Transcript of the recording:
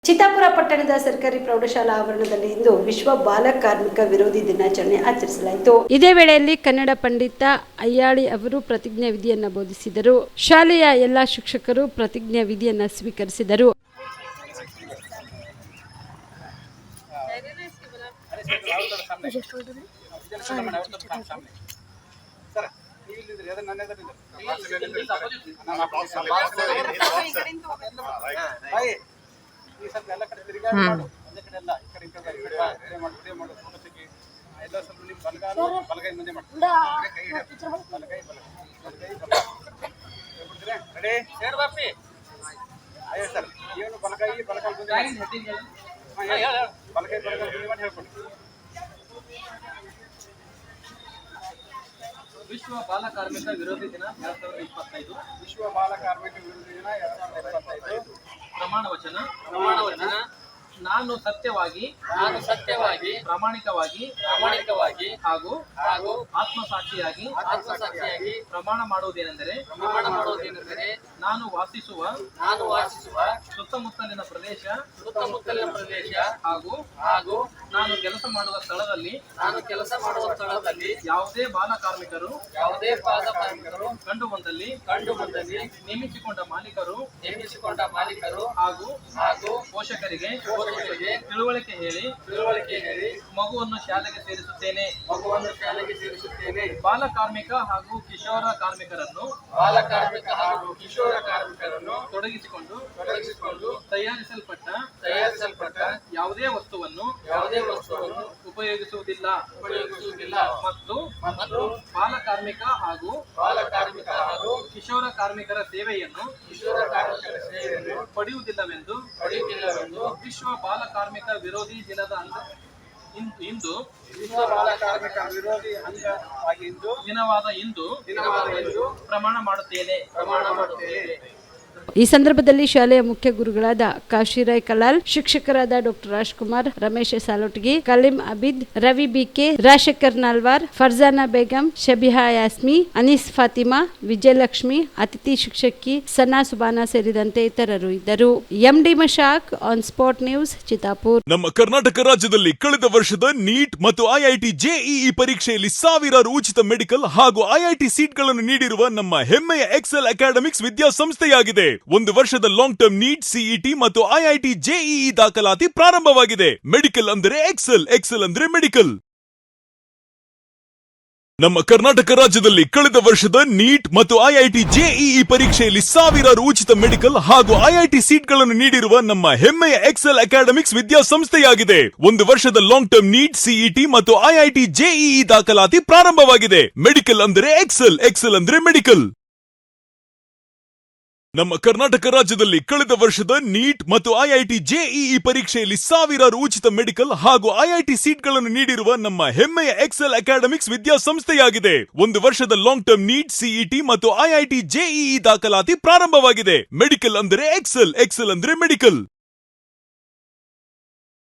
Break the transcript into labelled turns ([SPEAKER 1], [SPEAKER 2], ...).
[SPEAKER 1] ಚಿತ್ತಾಪುರ ಪಟ್ಟಣದ ಸರ್ಕಾರಿ ಪ್ರೌಢಶಾಲಾ ಆವರಣದಲ್ಲಿ ಇಂದು ವಿಶ್ವ ಬಾಲ ಕಾರ್ಮಿಕ ವಿರೋಧಿ ದಿನಾಚರಣೆ ಆಚರಿಸಲಾಯಿತು. ಇದೇ ವೇಳೆಯಲ್ಲಿ ಕನ್ನಡ ಪಂಡಿತ ಅಯ್ಯಾಳಿ ಅವರು ಪ್ರತಿಜ್ಞಾ ವಿಧಿಯನ್ನು ಬೋಧಿಸಿದರು. ಶಾಲೆಯ ಎಲ್ಲಾ ಶಿಕ್ಷಕರು ಪ್ರತಿಜ್ಞಾ ವಿಧಿಯನ್ನು ಸ್ವೀಕರಿಸಿದರು.
[SPEAKER 2] ವಿಶ್ವ ಬಾಲ ಕಾರ್ಮಿಕ ವಿರೋಧಿ ದಿನ 2025.
[SPEAKER 3] ವಿಶ್ವ ಬಾಲ ಕಾರ್ಮಿಕ ವಿರೋಧಿ ದಿನ 2025.
[SPEAKER 2] ಪ್ರಮಾಣ ವಚನ. ನಾನು ಸತ್ಯವಾಗಿ ಪ್ರಾಮಾಣಿಕವಾಗಿ ಹಾಗೂ ಆತ್ಮಸಾಕ್ಷಿಯಾಗಿ ಪ್ರಮಾಣ ಮಾಡುವುದೇನೆಂದರೆ ನಾನು ವಾಸಿಸುವ ಸುತ್ತಮುತ್ತಲಿನ ಪ್ರದೇಶ ಹಾಗೂ ನಾನು ಕೆಲಸ ಮಾಡುವ ಸ್ಥಳದಲ್ಲಿ ಯಾವುದೇ ಬಾಲ ಕಾರ್ಮಿಕರು ಕಂಡು ಬಂದಲ್ಲಿ ನೇಮಿಸಿಕೊಂಡ ಮಾಲೀಕರು ಹಾಗೂ ಪೋಷಕರಿಗೆ ತಿಳುವಳಿಕೆ ಹೇಳಿ ಮಗುವನ್ನು ಶಾಲೆಗೆ ಸೇರಿಸುತ್ತೇನೆ. ಬಾಲ ಕಾರ್ಮಿಕ ಹಾಗೂ ಕಿಶೋರ ಕಾರ್ಮಿಕರನ್ನು ತೊಡಗಿಸಿಕೊಂಡು ತಯಾರಿಸಲ್ಪಟ್ಟ ಯಾವುದೇ ವಸ್ತುವನ್ನು ಉಪಯೋಗಿಸುವುದಿಲ್ಲ ಮತ್ತು ಬಾಲ ಕಾರ್ಮಿಕ ಹಾಗೂ ಕಿಶೋರ ಕಾರ್ಮಿಕರ ಸೇವೆಯನ್ನು ಪಡೆಯುವುದಿಲ್ಲವೆಂದು ವಿಶ್ವ ಬಾಲ ಕಾರ್ಮಿಕ ವಿರೋಧಿ ದಿನದ ಇಂದು ದಿನವಾದ ಇಂದು ಪ್ರಮಾಣ ಮಾಡುತ್ತೇನೆ. ಈ ಸಂದರ್ಭದಲ್ಲಿ ಶಾಲೆಯ ಮುಖ್ಯ ಗುರುಗಳಾದ ಕಾಶಿರಾಯ್ ಕಲಾಲ್, ಶಿಕ್ಷಕರಾದ ಡಾಕ್ಟರ್ ರಾಜ್ಕುಮಾರ್, ರಮೇಶ್ ಸಾಲೋಟಗಿ, ಕಲೀಂ ಅಬಿದ್, ರವಿ ಬಿಕೆ, ರಾಜಶೇಖರ್ ನಾಲ್ವಾರ್, ಫರ್ಜಾನಾ ಬೇಗಂ, ಶಬಿಹಾ ಯಾಸ್ಮಿ, ಅನೀಸ್ ಫಾತಿಮಾ, ವಿಜಯಲಕ್ಷ್ಮಿ, ಅತಿಥಿ ಶಿಕ್ಷಕಿ ಸನಾ ಸುಬಾನಾ ಸೇರಿದಂತೆ ಇತರರು ಇದ್ದರು. M D Mashak, on spot news, Chittapur.
[SPEAKER 4] ನಮ್ಮ ಕರ್ನಾಟಕ ರಾಜ್ಯದಲ್ಲಿ ಕಳೆದ ವರ್ಷದ ನೀಟ್ ಮತ್ತು ಐಐಟಿ ಜೆಇಇ ಪರೀಕ್ಷೆಯಲ್ಲಿ ಸಾವಿರಾರು ಉಚಿತ ಮೆಡಿಕಲ್ ಹಾಗೂ ಐಐಟಿ ಸೀಟ್ಗಳನ್ನು ನೀಡಿರುವ ನಮ್ಮ ಹೆಮ್ಮೆಯ ಎಕ್ಸೆಲ್ ಅಕಾಡೆಮಿಕ್ಸ್ ವಿದ್ಯಾಸಂಸ್ಥೆಯಾಗಿದೆ. ಒಂದು ವರ್ಷದ ಲಾಂಗ್ ಟರ್ಮ್ ನೀಟ್, ಸಿಇಟಿ ಮತ್ತು ಐಐಟಿ ಜೆಇಇ ದಾಖಲಾತಿ ಪ್ರಾರಂಭವಾಗಿದೆ. ಮೆಡಿಕಲ್ ಅಂದರೆ ಎಕ್ಸೆಲ್ ಅಂದರೆ ಮೆಡಿಕಲ್. ನಮ್ಮ ಕರ್ನಾಟಕ ರಾಜ್ಯದಲ್ಲಿ ಕಳೆದ ವರ್ಷದ ನೀಟ್ ಮತ್ತು ಐಐಟಿ ಜೆಇಇ ಪರೀಕ್ಷೆಯಲ್ಲಿ ಸಾವಿರಾರು ಉಚಿತ ಮೆಡಿಕಲ್ ಹಾಗೂ ಐಐಟಿ ಸೀಟ್ಗಳನ್ನು ನೀಡಿರುವ ನಮ್ಮ ಹೆಮ್ಮೆಯ ಎಕ್ಸೆಲ್ ಅಕಾಡೆಮಿಕ್ಸ್ ವಿದ್ಯಾಸಂಸ್ಥೆಯಾಗಿದೆ. ಒಂದು ವರ್ಷದ ಲಾಂಗ್ ಟರ್ಮ್ ನೀಟ್, ಸಿಇಟಿ ಮತ್ತು ಐಐಟಿ ಜೆಇಇ ದಾಖಲಾತಿ ಪ್ರಾರಂಭವಾಗಿದೆ. ಮೆಡಿಕಲ್ ಅಂದರೆ ಎಕ್ಸೆಲ್ ಅಂದರೆ ಮೆಡಿಕಲ್. ನಮ್ಮ ಕರ್ನಾಟಕ ರಾಜ್ಯದಲ್ಲಿ ಕಳೆದ ವರ್ಷದ ನೀಟ್ ಮತ್ತು ಐಐಟಿ ಜೆಇಇ ಪರೀಕ್ಷೆಯಲ್ಲಿ ಸಾವಿರಾರು ಉಚಿತ ಮೆಡಿಕಲ್ ಹಾಗೂ ಐಐಟಿ ಸೀಟ್ಗಳನ್ನು ನೀಡಿರುವ ನಮ್ಮ ಹೆಮ್ಮೆಯ ಎಕ್ಸೆಲ್ ಅಕಾಡೆಮಿಕ್ಸ್ ವಿದ್ಯಾಸಂಸ್ಥೆಯಾಗಿದೆ. ಒಂದು ವರ್ಷದ ಲಾಂಗ್ ಟರ್ಮ್ ನೀಟ್, ಸಿಇಟಿ ಮತ್ತು ಐಐಟಿ ಜೆಇಇ ದಾಖಲಾತಿ ಪ್ರಾರಂಭವಾಗಿದೆ. ಮೆಡಿಕಲ್ ಅಂದರೆ ಎಕ್ಸೆಲ್ ಅಂದ್ರೆ ಮೆಡಿಕಲ್.